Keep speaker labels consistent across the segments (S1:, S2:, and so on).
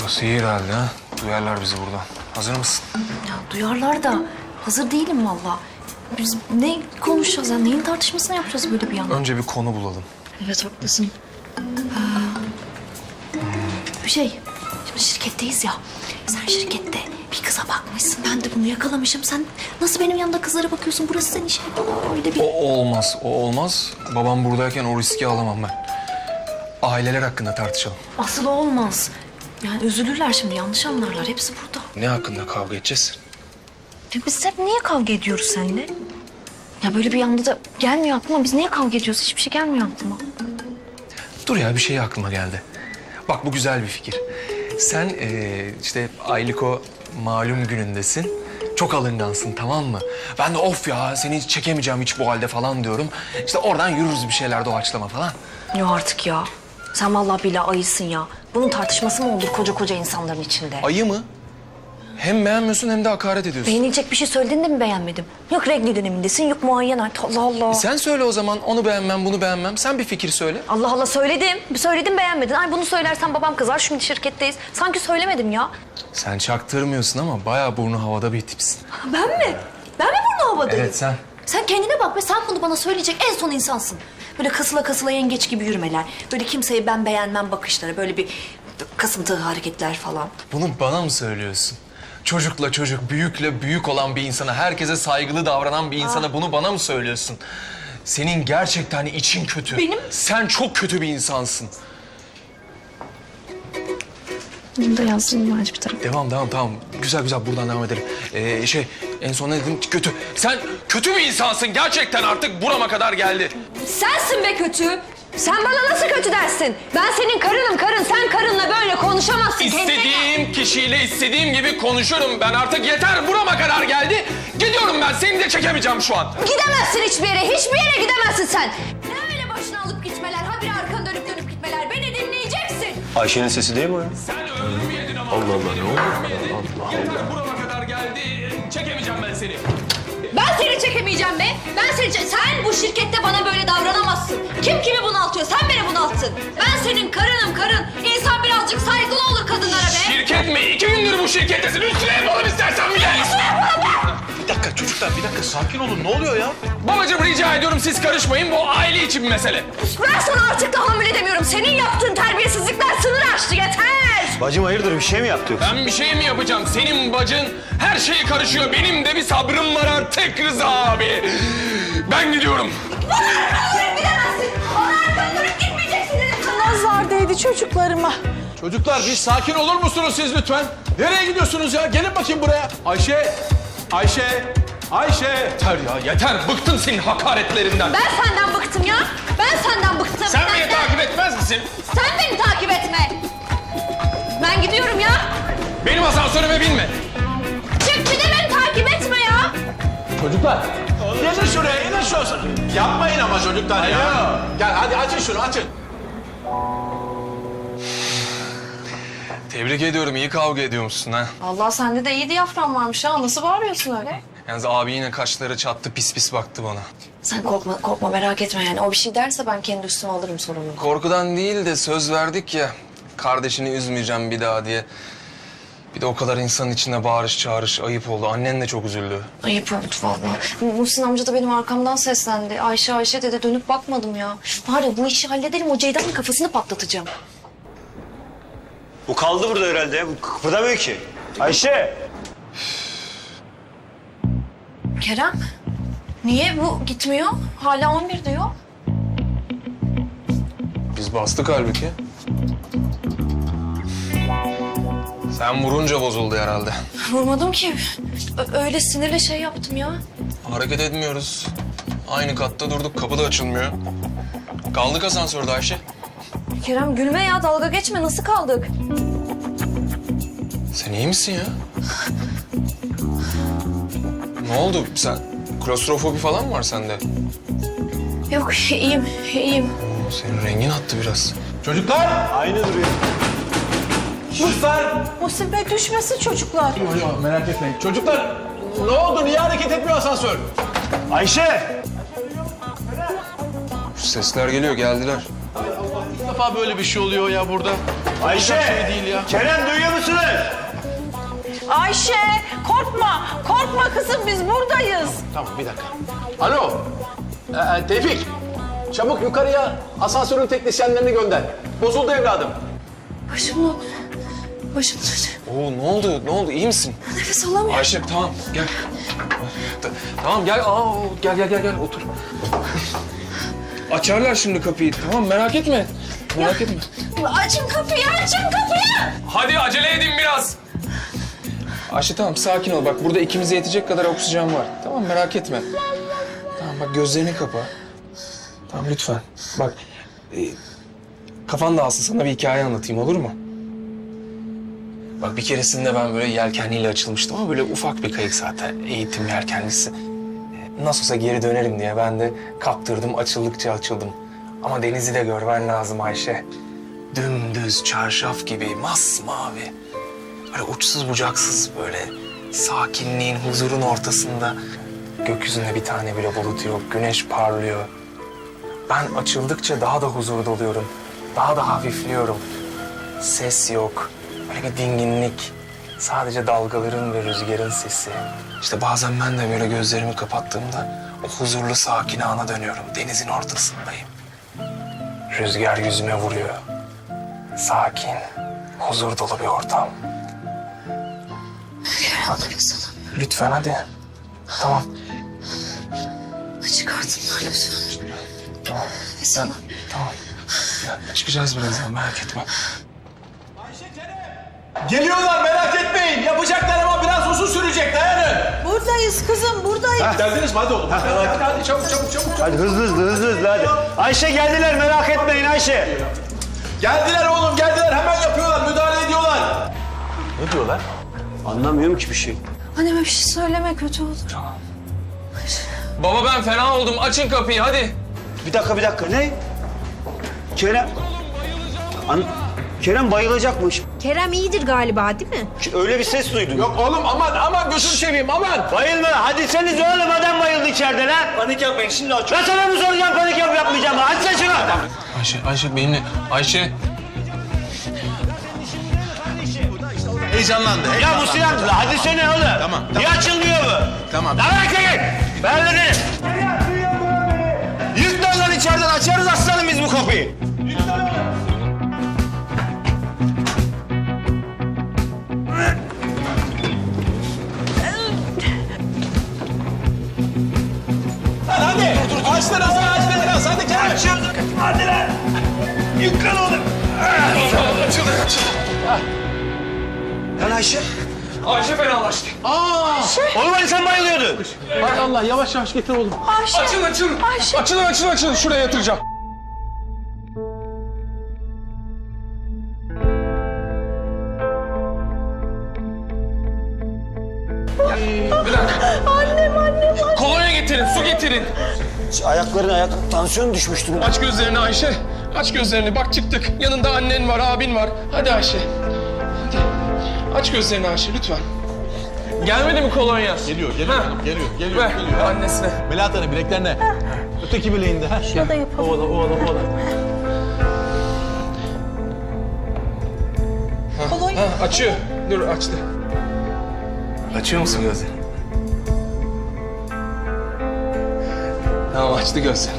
S1: Burası iyi herhalde ha. Duyarlar bizi buradan. Hazır mısın?
S2: Ya duyarlar da hazır değilim valla. Biz ne konuşacağız ya? Neyin tartışmasını yapacağız böyle bir anda?
S1: Önce bir konu bulalım.
S2: Evet haklısın. Bir şey, şimdi şirketteyiz ya. Sen şirkette bir kıza bakmışsın. Ben de bunu yakalamışım. Sen nasıl benim yanımda kızlara bakıyorsun? Burası senin şey falan öyle bir...
S1: O olmaz, o olmaz. Babam buradayken o riski alamam ben. Aileler hakkında tartışalım.
S2: Asıl o olmaz. Yani üzülürler şimdi, yanlış anlarlar. Hepsi burada.
S1: Ne hakkında kavga edeceğiz?
S2: Ya biz hep niye kavga ediyoruz seninle? Ya böyle bir anda da gelmiyor aklıma. Biz niye kavga ediyoruz? Hiçbir şey gelmiyor aklıma.
S1: Dur ya, bir şey aklıma geldi. Bak bu güzel bir fikir. Sen işte Ayliko malum günündesin. Çok alıngansın, tamam mı? Ben de of ya seni hiç çekemeyeceğim hiç bu halde falan diyorum. İşte oradan yürürüz bir şeyler doğaçlama falan.
S2: Yok artık ya. Sen vallahi billahi ayısın ya. Bunun tartışması mı olur koca koca insanların içinde?
S1: Ayı mı? Hem beğenmiyorsun hem de hakaret ediyorsun.
S2: Beğenilecek bir şey söylediğinde mi beğenmedim? Yok regl dönemindesin, yok muayyen hayat. Allah Allah.
S1: Sen söyle o zaman, onu beğenmem, bunu beğenmem. Sen bir fikir söyle.
S2: Allah Allah söyledim. Söyledim beğenmedin. Ay bunu söylersen babam kızar. Şimdi şirketteyiz. Sanki söylemedim ya.
S1: Sen çaktırmıyorsun ama bayağı burnu havada bir tipsin.
S2: Ben mi? Ben mi burnu havadayım?
S1: Evet sen.
S2: Sen kendine bak ve sen bunu bana söyleyecek en son insansın. Böyle kasıla kasıla yengeç gibi yürümeler. Böyle kimseyi ben beğenmem bakışları. Böyle bir kasıntı hareketler falan.
S1: Bunu bana mı söylüyorsun? Çocukla çocuk, büyükle büyük olan bir insana, herkese saygılı davranan bir insana bunu bana mı söylüyorsun? Senin gerçekten için kötü.
S2: Benim?
S1: Sen çok kötü bir insansın.
S2: Bunu da yazayım bence bir tarafa.
S1: Devam, tamam. Güzel buradan devam edelim. En son ne dedin? Kötü. Sen kötü bir insansın. Gerçekten artık burama kadar geldi.
S2: Sensin be kötü. Sen bana nasıl kötü dersin? Ben senin karınım karın. Sen karınla böyle konuşamazsın.
S1: İstediğim kişiyle istediğim gibi konuşurum. Ben artık yeter. Burama kadar geldi. Gidiyorum ben. Seni de çekemeyeceğim şu an.
S2: Gidemezsin hiçbir yere. Hiçbir yere gidemezsin sen. Ne öyle başına alıp gitmeler? Habire arkanı dönüp gitmeler. Beni dinleyeceksin.
S3: Ayşe'nin sesi değil mi o ya?
S1: Sen ömrümü yedin ama.
S3: Allah Allah, ne oldu?
S1: Yeter burama kadar geldi. Çekemeyeceğim ben seni.
S2: Ben seni çekemeyeceğim be. Sen bu şirkette bana böyle davranamazsın. Kim kimi bunaltıyor? Sen beni bunalttın. Ben senin karınım karın. İnsan birazcık saygılı olur kadınlara be.
S1: Şirket mi? 2 gündür bu şirkettesin. Üstüne yapalım istersen bir de.
S3: Bir dakika çocuklar, bir dakika sakin olun. Ne oluyor ya?
S1: Babacığım rica ediyorum siz karışmayın. Bu aile için bir mesele.
S2: Ben sana artık tahammül edemiyorum. Senin yaptığın terbiyesizlikler sınır aştı. Yeter.
S3: Bacım hayırdır, bir şey mi yaptı yoksa?
S1: Ben bir şey mi yapacağım? Senin bacın her şeye karışıyor. Benim de bir sabrım var artık Rıza abi. Ben gidiyorum.
S2: Bana gidemezsin. Bana arkanı dönüp gitmeyeceksin dedim sana.
S4: Nazar değdi çocuklarıma.
S5: Çocuklar bir sakin olur musunuz siz lütfen? Nereye gidiyorsunuz ya? Gelin bakayım buraya. Ayşe.
S1: Yeter ya yeter. Bıktım senin hakaretlerinden.
S2: Ben senden bıktım ya. Ben senden bıktım.
S1: Sen beni takip etmez misin?
S2: Sen beni takip etme. Ben gidiyorum ya.
S1: Benim asansörüme binme.
S2: Çık bir de beni takip etme ya.
S5: çocuklar. Gelin şuraya, inin şurası. Yapmayın ama çocuklar ya. Gel hadi açın şunu, açın.
S1: Tebrik ediyorum. İyi kavga ediyormuşsun ha.
S4: Allah sende de iyi diyafram varmış ha. Nasıl bağırıyorsun öyle?
S1: Yalnız abi yine kaşları çattı. Pis pis baktı bana.
S4: Sen korkma merak etme yani. O bir şey derse ben kendi üstüme alırım sorumluluğu.
S1: Korkudan değil de söz verdik ya. Kardeşini üzmeyeceğim bir daha diye. Bir de o kadar insanın içinde bağırış çağırış ayıp oldu. Annen de çok üzüldü.
S4: Ayıp oldu vallahi. Muhsin amca da benim arkamdan seslendi. Ayşe dedi, dönüp bakmadım ya. Var ya bu işi halledelim, o Ceyda'nın kafasını patlatacağım.
S3: Bu kaldı burada herhalde ya. Bu kıpırdamıyor ki. Ayşe!
S4: Kerem, niye bu gitmiyor? Hala 11 diyor.
S1: Biz bastık halbuki. Sen vurunca bozuldu herhalde.
S4: Vurmadım ki. Öyle sinirle şey yaptım ya.
S1: Hareket etmiyoruz. Aynı katta durduk. Kapı da açılmıyor. Kaldık asansörde Ayşe.
S4: Kerem gülme ya, dalga geçme. Nasıl kaldık?
S1: Sen iyi misin ya? Ne oldu? Sen klostrofobi falan mı var sende?
S4: Yok, iyiyim.
S1: Senin rengin attı biraz.
S5: Çocuklar!
S3: Aynı duruyor.
S5: Çocuklar!
S4: Muhsin Bey düşmesin çocuklar.
S5: Yok merak etmeyin. Çocuklar! Ne oldu? Niye hareket etmiyor asansör?
S3: Ayşe!
S1: Sesler geliyor, geldiler.
S5: İlk defa böyle bir şey oluyor ya burada.
S6: Ayşe, Kerem duyuyor musunuz?
S7: Ayşe korkma. Korkma kızım biz buradayız.
S5: Tamam bir dakika. Alo. Tevfik. Çabuk yukarıya asansörün teknisyenlerini gönder. Bozuldu evladım.
S4: Başım dönüyor.
S1: Oo ne oldu? Ne oldu? İyi misin?
S4: Nefes alamıyorum.
S1: Ayşe tamam gel. Tamam gel. Gel otur. Açarlar şimdi kapıyı. Tamam merak etme. Merak etme.
S4: Açın kapıyı.
S1: Hadi acele edin biraz. Ayşe tamam sakin ol. Bak burada ikimize yetecek kadar oksijen var. Tamam merak etme. Tamam bak gözlerini kapa. Tamam lütfen. Bak kafan dağılsın sana bir hikaye anlatayım olur mu? Bak bir keresinde ben böyle yelkenliyle açılmıştım ama böyle ufak bir kayık zaten. Eğitim yelkenlisi. Nasıl olsa geri dönerim diye ben de kaptırdım açıldıkça açıldım. Ama denizi de görmen lazım Ayşe. Dümdüz çarşaf gibi masmavi. Böyle uçsuz bucaksız böyle sakinliğin, huzurun ortasında. Gökyüzünde bir tane bile bulut yok, güneş parlıyor. Ben açıldıkça daha da huzur doluyorum. Daha da hafifliyorum. Ses yok, böyle bir dinginlik. Sadece dalgaların ve rüzgarın sesi. İşte bazen ben de böyle gözlerimi kapattığımda o huzurlu sakin ana dönüyorum. Denizin ortasındayım. Rüzgar yüzüme vuruyor. Sakin, huzur dolu bir ortam.
S4: Nefes alamıyorum.
S1: Lütfen hadi. Tamam.
S4: Çıkartın lütfen.
S1: Tamam.
S4: Nefes alamıyorum.
S1: Tamam. Ya, çıkacağız birazdan merak etme.
S5: Geliyorlar merak etmeyin. Yapacaklar ama biraz uzun sürecek. Dayanın.
S7: Buradayız kızım buradayız.
S5: Geldiniz mi? Hadi oğlum. Hadi çabuk.
S6: Hadi hızlı hadi. Ayşe geldiler merak etmeyin Ayşe.
S5: Geldiler oğlum geldiler. Hemen yapıyorlar. Müdahale ediyorlar. Ne diyorlar?
S6: Anlamıyorum ki bir şey.
S4: Anneme bir şey söyleme kötü olur.
S1: Baba ben fena oldum. Açın kapıyı hadi.
S6: Bir dakika ne? Kerem... Kerem bayılacakmış.
S7: Kerem iyidir galiba değil mi?
S6: Öyle bir ses duydum.
S5: Yok oğlum aman gözünü seveyim aman.
S6: Bayılma. Hadi seniz oğlum adam bayıldı içeride lan. Panik yapmayın şimdi aç. Ben sana mı soracağım panik yapmayacağım mı? Hadi sen şunu.
S1: Ayşe benimle. Ayşe.
S3: Heyecanlandı.
S6: Ya bu silahlı. Hadi sene oğlum.
S3: Tamam.
S6: Niye açılmıyor bu?
S3: Tamam.
S6: Lan erkek! Ben dedim. Yüklen lan içeriden açarız aslanım biz bu kapıyı.
S5: Hadi. Açtın biraz. Hadi Kerem.
S6: Hadi lan. Yüklen oğlum.
S1: Açılın.
S6: Lan Ayşe.
S1: Ayşe fenalaştı.
S6: Oğlum hani sen bayılıyordun.
S5: Hay Allah yavaş getir oğlum.
S1: Açılın. Şuraya yatıracağım. Bir dakika. Annem. Kolonya getirin, su getirin.
S6: Ayakların tansiyon düşmüştür.
S1: Aç gözlerini Ayşe. Aç gözlerini. Bak çıktık. Yanında annen var, abin var. Hadi Ayşe. Hadi. Aç gözlerini Ayşe lütfen. Gelmedi mi kolonya?
S3: Geliyor
S1: Ha.
S3: hanım. Geliyor.
S1: Ver annesine.
S3: Melahat Hanım bileklerine. Öteki bileğinde.
S7: Şurada yapalım.
S3: Ovala.
S7: Kolonya.
S1: Açıyor. Dur açtı. Açıyor musun gözlerini? Tamam açtı gözlerini.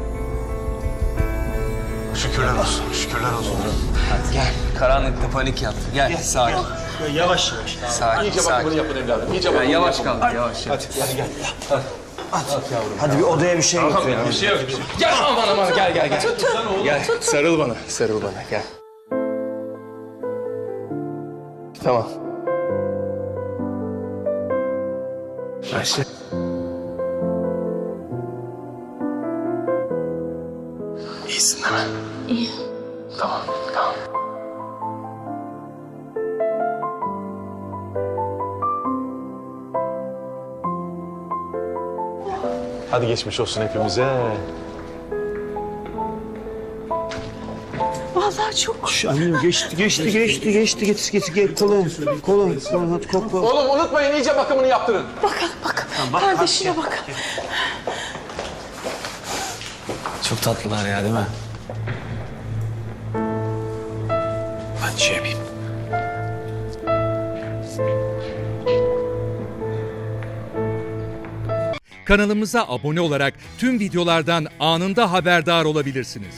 S3: Şükürler olsun.
S1: Hadi gel. Karanlıkta panik yaptı. Gel sakin.
S6: Yavaş.
S1: Sakin.
S5: İyice bakımını yapın evladım. İyice bakımını
S1: Yavaş
S5: yapın.
S1: kal. Yavaş.
S6: Hadi bir odaya bir şey götür.
S1: Bir şey yok. Gel aman gel. Gel sarıl bana. Gel. Tamam. Ayşe. İyisin değil mi? İyi. Tamam.
S3: Hadi geçmiş olsun hepimize.
S7: Vallahi çok.
S6: Annem geçti. Getir kolum. Hadi kokla.
S5: Oğlum unutmayın iyice bakımını yaptırın.
S7: Bakın. Kardeşine bakın.
S8: Çok tatlılar ya değil mi?
S1: Ben
S3: şey yapayım.
S8: Kanalımıza abone olarak tüm videolardan anında haberdar olabilirsiniz.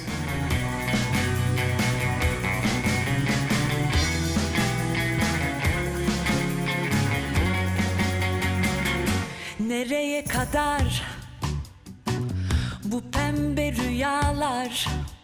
S9: Nereye kadar bu pembe rüyalar?